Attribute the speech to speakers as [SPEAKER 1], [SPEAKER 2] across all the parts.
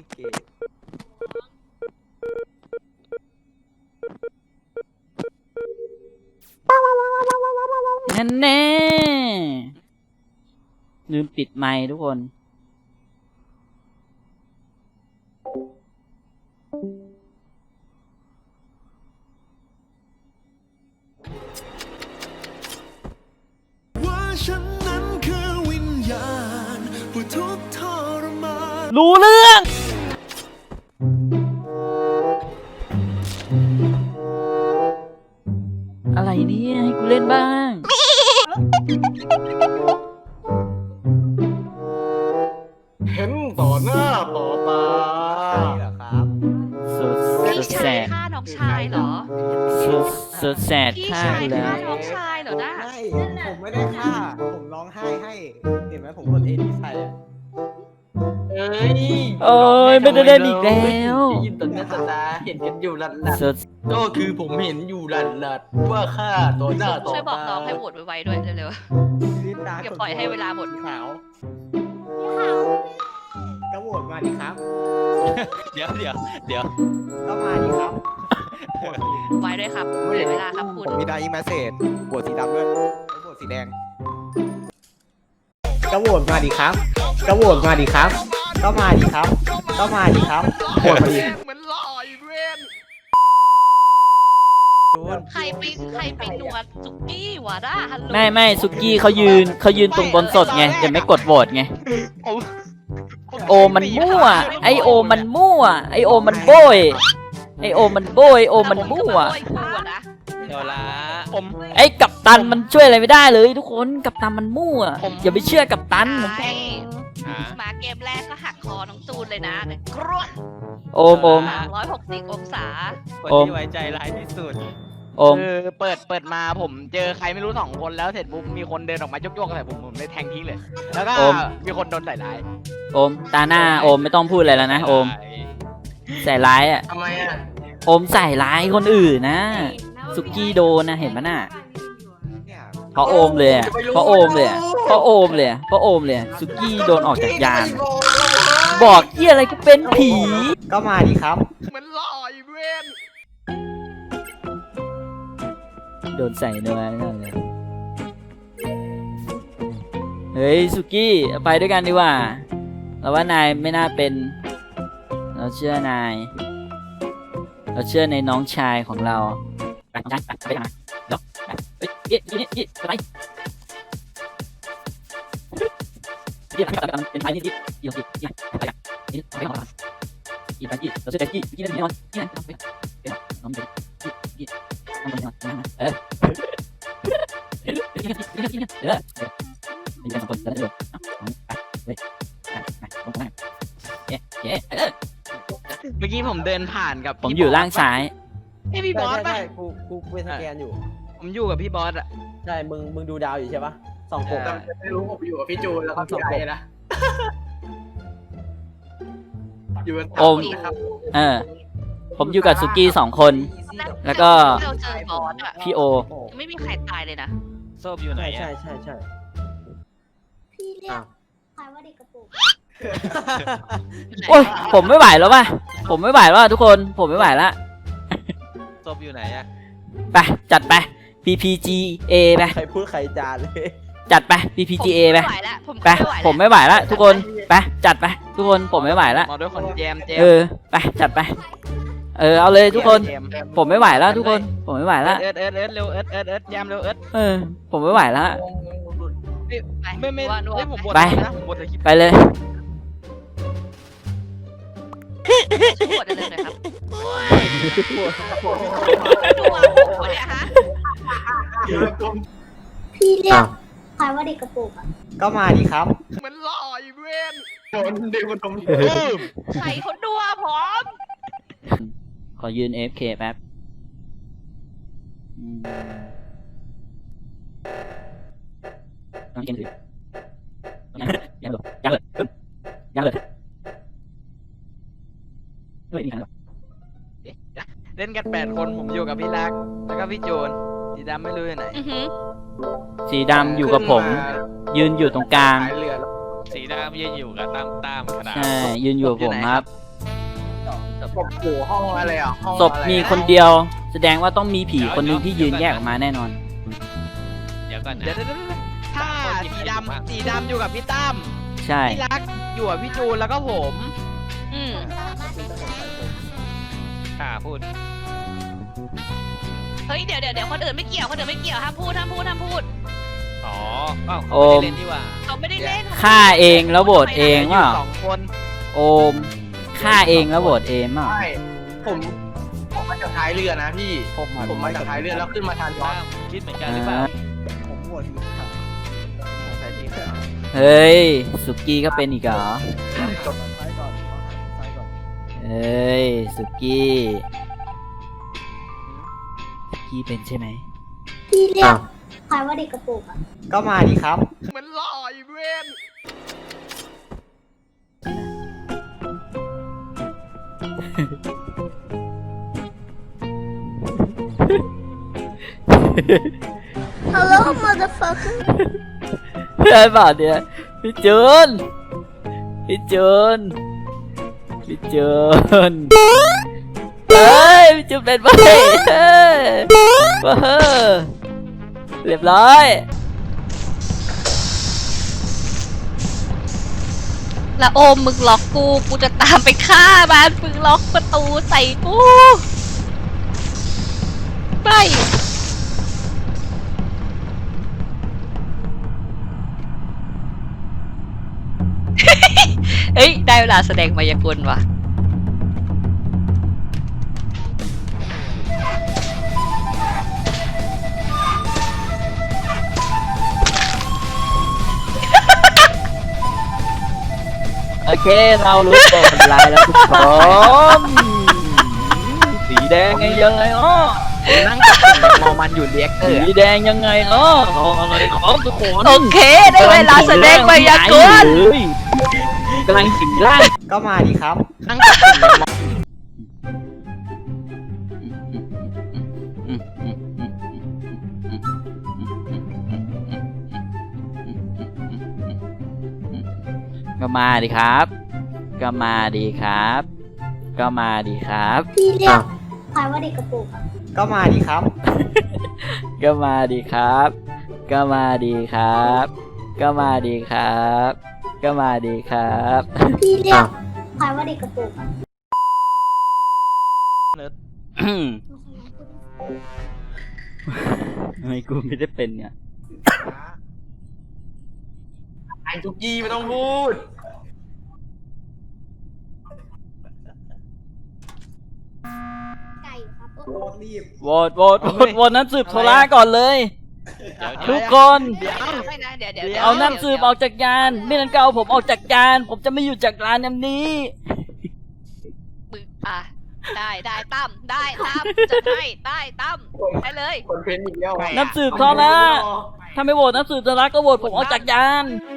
[SPEAKER 1] เก๋
[SPEAKER 2] นั่นแน่ลืมปิดไมค์ทุกคนรู้เรื่อง อะไรเนี่ยให้กูเล่นบ้าง
[SPEAKER 3] เห็นต่อหน้าต่อตา
[SPEAKER 1] เหรอครับ
[SPEAKER 2] สุด
[SPEAKER 4] พี่
[SPEAKER 2] แส
[SPEAKER 4] ชาย
[SPEAKER 2] ด
[SPEAKER 4] ฆ่าน้องชายเหรอ
[SPEAKER 2] สุดแสด
[SPEAKER 4] พี่
[SPEAKER 2] ฆ่า
[SPEAKER 4] ชาย
[SPEAKER 2] กูแล้
[SPEAKER 4] ฆ่าว น้องชายเหรอนะ
[SPEAKER 1] ไม่ผมไม่ได้ฆ่า ผมร้องไห้ให้ เห็นไหมผมกดเอดีใส่อะ
[SPEAKER 3] เอ้ย
[SPEAKER 2] เอ้ยไม่ได้เล่นอีกแล้ว
[SPEAKER 3] ได้ยินต่อหน้าต่อตาเห็นกันอยู่หลัด
[SPEAKER 2] สุด
[SPEAKER 3] ๆก็คือผมเห็นอยู่หลัดๆว่าฆ่าต่อหน้าต่อ
[SPEAKER 4] ช่วยบอก
[SPEAKER 3] ตา
[SPEAKER 4] น้องให้โหวตไวๆด้วยเร็ว
[SPEAKER 1] ลิ้นตา
[SPEAKER 4] อย่าปล่อยให้เวลาหมด
[SPEAKER 1] สีขาวก็โหวตมาดิครับ
[SPEAKER 5] เดี๋ยว
[SPEAKER 1] ก็มาดิครับ
[SPEAKER 4] ๆไวด้วยครับเสียเวลาครับคุณ
[SPEAKER 1] ผมมีไดร์แมสเซจโหวตสีดำด้วยแล้วโหวตสีแดง ก็โหวตมาดิครับ ก็โหวตมาดิครับ ก็มาดิครับ ก็มาดิครับโหวตมาดิ
[SPEAKER 3] เหมือนลอยเว้น
[SPEAKER 4] ใครไปหนวดสุกี้วะด้าฮัลโหล
[SPEAKER 2] ไม่สุกี้เขายืนตรงบนสดไงแต่ไม่กดโหวตไง โอมันมั่ว ไอโอมันมั่ว ไอโอมันโบย ไอโอมันโบยโอมันมั่ว
[SPEAKER 4] โอ้ยกูอะนะ
[SPEAKER 5] เดี๋ยวละผม
[SPEAKER 2] ไอกัปตันมันช่วยอะไรไม่ได้เลยทุกคนกัปตันมันมั่วอย่าไปเชื่อกัปตัน
[SPEAKER 4] ใช่
[SPEAKER 5] หา
[SPEAKER 4] มาเกมแรกก็หักคอน้องจูนเลยนะกรวด
[SPEAKER 2] โอม
[SPEAKER 4] 360 องศา
[SPEAKER 5] คน
[SPEAKER 2] โอม
[SPEAKER 5] ที่ไว้ใจร้ายที่สุด
[SPEAKER 2] โอม
[SPEAKER 5] คือเปิดมาผมเจอใครไม่รู้2 คนแล้วเสร็จปุ๊บมีคนเดินออกมายกๆใส่ผมเลยแทงทิ้งเลย แล้วก็
[SPEAKER 2] โอม
[SPEAKER 5] มีคนโดนใส่ร้าย
[SPEAKER 2] โอมตาหน้าโอมไม่ต้องพูดอะไรแล้วนะโอมใส่ร้ายอ่ะ
[SPEAKER 3] ทำไมอ่ะ
[SPEAKER 2] โอมใส่ร้ายคนอื่นนะสุกี้โดนนะเห็นปะน่ะ
[SPEAKER 1] เนี่ย
[SPEAKER 2] เพราะโอมเลยอะเพราะโอมเลยอะเพราะโอมเลยอะเพราะโอมเลยอะสุกี้โดนออกจากยานบอกเหียอะไรกูเป็นผี
[SPEAKER 1] ก็มาดิครับ
[SPEAKER 3] เหมือนลอยเว้น
[SPEAKER 2] โดนใส่เนื้อนั่นเลยเฮ้ยสุกี้ไปด้วยกันดีกว่าเราว่านายไม่น่าเป็นเราเชื่อนายเราเชื่อในน้องชายของเราไปน้องชายไปทางไหนเดี๋ยวไปเฮ้ยนี่อะไรนี่เป็นไปนี่นี่ไปนี่ไปก่อนอีไปเราเชื่อใจกี้เล่นนอนนี่ไปน้องเด็กกี้น้องนอนเออมีการสองคนจะได้เลยเฮ้ยลงมาเย้
[SPEAKER 5] เมื่อกี้ผมเดินผ่านกับ
[SPEAKER 2] ผมอยู่ล่างซ้าย
[SPEAKER 5] ไอพี่บอสป่ะ
[SPEAKER 1] ใช่กูเป็นสแกนอยู่
[SPEAKER 5] ผมอยู่กับพี่บอสอะ
[SPEAKER 1] ใช่ มึงดูดาวอยู่ใช่ปะส่องกบ
[SPEAKER 5] ใช่
[SPEAKER 3] ไม่รู้ผมอยู่กับพี่จูนแล้วก็พี่ไอ้นะอยู่กัน
[SPEAKER 2] โอม
[SPEAKER 3] ครับ
[SPEAKER 2] ผมอยู่กับสุกี้2 คน แล้วก็
[SPEAKER 4] เราเจอบอสอะ
[SPEAKER 2] พี่โอ
[SPEAKER 4] ยังไม่มีใครตายเลยนะ
[SPEAKER 5] โซบอยู่ไหน
[SPEAKER 1] ใช่
[SPEAKER 5] อะ
[SPEAKER 1] ใช่
[SPEAKER 6] พี่เรียกใครว่าเด็กกระโปรง
[SPEAKER 2] โอ้ยผมไม่ไหวแล้วว่ะผมไม่ไหวแล้วทุกคนผมไม่ไหวแล้ว
[SPEAKER 5] โซบอยู่ไหนอะ
[SPEAKER 2] ไปจัดไป PPGA ไป
[SPEAKER 1] ใครพูดใครจานเลย
[SPEAKER 2] จัดไป PPGA ไป
[SPEAKER 4] ผมไม่ไหวแล้วผม
[SPEAKER 2] ไปผมไม่ไหวแล้วทุกคนไปจัดไปทุกคนผมไม่ไหวแล้ว
[SPEAKER 5] มาด้วยคนแจม
[SPEAKER 2] ไปจัดไปเอาเลยทุกคน
[SPEAKER 5] แจม
[SPEAKER 2] ผมไม่ไหวแล้วทุกคนผมไม่ไหวแล้ว
[SPEAKER 5] เอิร์ดเร็วเอิร์ดแจมเร็วเอิร์ด
[SPEAKER 2] ผมไม่ไหวแล้ว
[SPEAKER 5] ไม่
[SPEAKER 4] ว่านัว
[SPEAKER 5] ผมบด
[SPEAKER 2] ไป
[SPEAKER 5] นะผมบดเลยคลิป
[SPEAKER 2] ไปเลย
[SPEAKER 4] ช่วยกดเลยหน่อยครับดูว่าผมเนี่ยฮะ
[SPEAKER 6] พี่เรียกใครว่าเด็กกระโปรงอะ
[SPEAKER 1] ก็มาดิครับ
[SPEAKER 3] เหมือนลอยเว้นโดนเด็กคนดม
[SPEAKER 4] ใส่คนดูอะผม
[SPEAKER 2] ขอยืน AFK แป๊บยังถือยังเลยเฮ้ยนี่กัน
[SPEAKER 5] เล่นกัน8 คนผมอยู่กับพี่รักแล้วก็พี่โจนสีดำไม่รู้อยู่ไหน
[SPEAKER 2] สีดำอยู่กับผมยืนอยู่ตรงกลาง
[SPEAKER 3] ขายเรือแล้ว
[SPEAKER 7] สีดำยืนอยู่กับตามขนาด
[SPEAKER 2] ใช่ยืนอยู่กับผมครับ
[SPEAKER 3] ศพอยู่ห้องอะไรอ่ะห้อง
[SPEAKER 2] ศพมีคนเดียว แสดงว่าต้องมีผีคนหนึงที่ยืนแยกออกมาแน่นอน
[SPEAKER 7] เดี๋ยวก่อนนะ
[SPEAKER 5] เดี๋ยวถ้าสีดำอยู่กับพี่ตั้ม
[SPEAKER 2] ใช่
[SPEAKER 5] พี่รักอยู่กับพี่จูนแล้วก็ผม
[SPEAKER 4] อืม
[SPEAKER 7] พูด
[SPEAKER 4] เฮ้ยเดี๋ยวคนอื่นไม่เกี่ยวคนอื่นไม่เกี่ยวห้ามพูด
[SPEAKER 7] อ๋ออ้าวเขาไม่ได้เล่นนี่หว่า
[SPEAKER 4] เขาไม่ได้เล่น
[SPEAKER 2] ฆ่าเองแล้วโหวตเองว่า
[SPEAKER 5] สองคน
[SPEAKER 2] โอมฆ่าเองแล้วโหวตเองว่า
[SPEAKER 3] ใช่ผมมาจากท้ายเรือนะพี่ ผมมาจากท้ายเรือแล้วขึ้นมาทานย้อน
[SPEAKER 7] คิดเหมือนกันหรือเปล่า
[SPEAKER 1] ผมโหวตสีขาวผมใส่สีขาว
[SPEAKER 2] เฮ้ยสุกี้ก็เป็นอีกเหรอ
[SPEAKER 1] จบซ้ายก่อนซ้ายก่อน
[SPEAKER 2] เฮ้ยสุกี้เป็นใช่ไหม
[SPEAKER 6] พี่เรียกใครว่าเด็กกระปุกอ่ะ
[SPEAKER 1] ก็มาดีครับ
[SPEAKER 5] มันหล่ออีเวนต์
[SPEAKER 6] ฮัลโหล motherfucker
[SPEAKER 2] ไอ้บ่าวเนี่ยพี่จูนพี่จูนพี่จูนเฮ้ยพี่จูนเป็นไปเฮ้ยว้าเรียบร้อย
[SPEAKER 4] แล้วโอมมึงล็อกกูจะตามไปฆ่ามันมึงล็อกประตูใส่กูไป เฮ้ยได้เวลาแสดงมายากลว่ะ
[SPEAKER 2] โอเคเรารู้ตัวคนร้ายแล้วทุกคนสีแดงยังไงเนาะ
[SPEAKER 5] นั่งกับมองมันอยู่เรียกเตอ
[SPEAKER 2] สี
[SPEAKER 5] ร์
[SPEAKER 2] แดงยังไงเนาะเอาอะไรของทุกคน
[SPEAKER 4] โอเคได้เวลาแสดงมายากล
[SPEAKER 2] กำลังสิงร่าง
[SPEAKER 1] ก็มาดีครับ
[SPEAKER 5] นั่งกับมอง
[SPEAKER 2] ก็มาดิครับ ก็มาดีครับ ก็มาดีครับ
[SPEAKER 6] พี่เรียกใครว่าเด็กกระปุกอ่ะ
[SPEAKER 1] ก็มาดีครับ
[SPEAKER 2] ก็มาดีครับ ก็มาดีครับ ก็มาดีครับ ก็มาดีครับ
[SPEAKER 6] พี่เรียกใครว่าเด็กกระปุกอ่ะ
[SPEAKER 2] ทำไมกูไม่ได้เป็นเนี่ย
[SPEAKER 3] ไอ้ทุกยี่ไม่ต้องพูด
[SPEAKER 6] ไก่อยู่ครับ
[SPEAKER 1] โหวตรีบ
[SPEAKER 2] โหวตนั้นสืบโทรก่อนเลย ทุกคน
[SPEAKER 5] เดี๋ยว
[SPEAKER 4] ไม่นะเดี๋ยว
[SPEAKER 2] เอานักสืบออกจากยานไม่นั้นก็เอาผมออกจากยาน ผมจะไม่อยู่จากร้านนี้
[SPEAKER 4] มึงอ่ะได้ตั้มได้ตั้มจะให้ได้ตั้มได้เลย
[SPEAKER 3] คนเพ้นอีกแล้ว
[SPEAKER 2] นักสืบโทรถ้าไม่โหวตนักสืบโทรก็โหวตผมออกจากยาน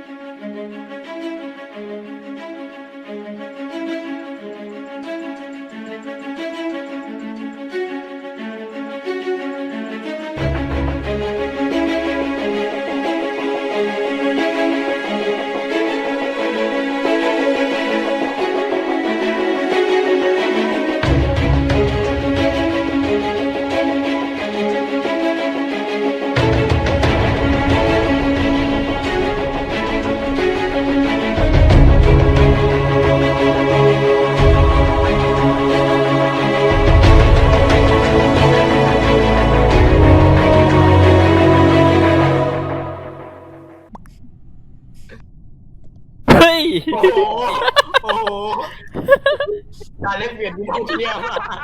[SPEAKER 2] เฮ้ย
[SPEAKER 3] โอ้โหโอ้โหการเล่นเปลี่ยนที่เที่ยว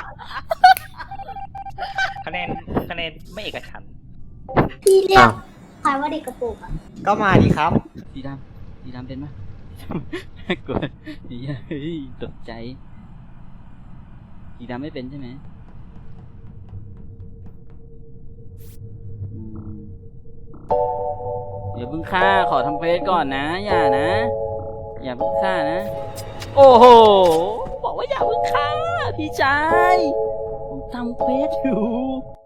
[SPEAKER 7] คะแนนไม่เอกฉันท์
[SPEAKER 6] พี่เรียกใครว่าเด็กกระปุกอ่ะ
[SPEAKER 1] ก็มาดีครับ
[SPEAKER 2] สีดำเป็นไหมกลัวเฮ้ยตกใจสีดำไม่เป็นใช่ไหมอย่าเพิ่งฆ่าขอทำเควสก่อนนะอย่านะ อย่าเพิ่งฆ่านะ โอ้โหบอกว่าอย่าเพิ่งฆ่าพี่ชายผมทำเควสอยู่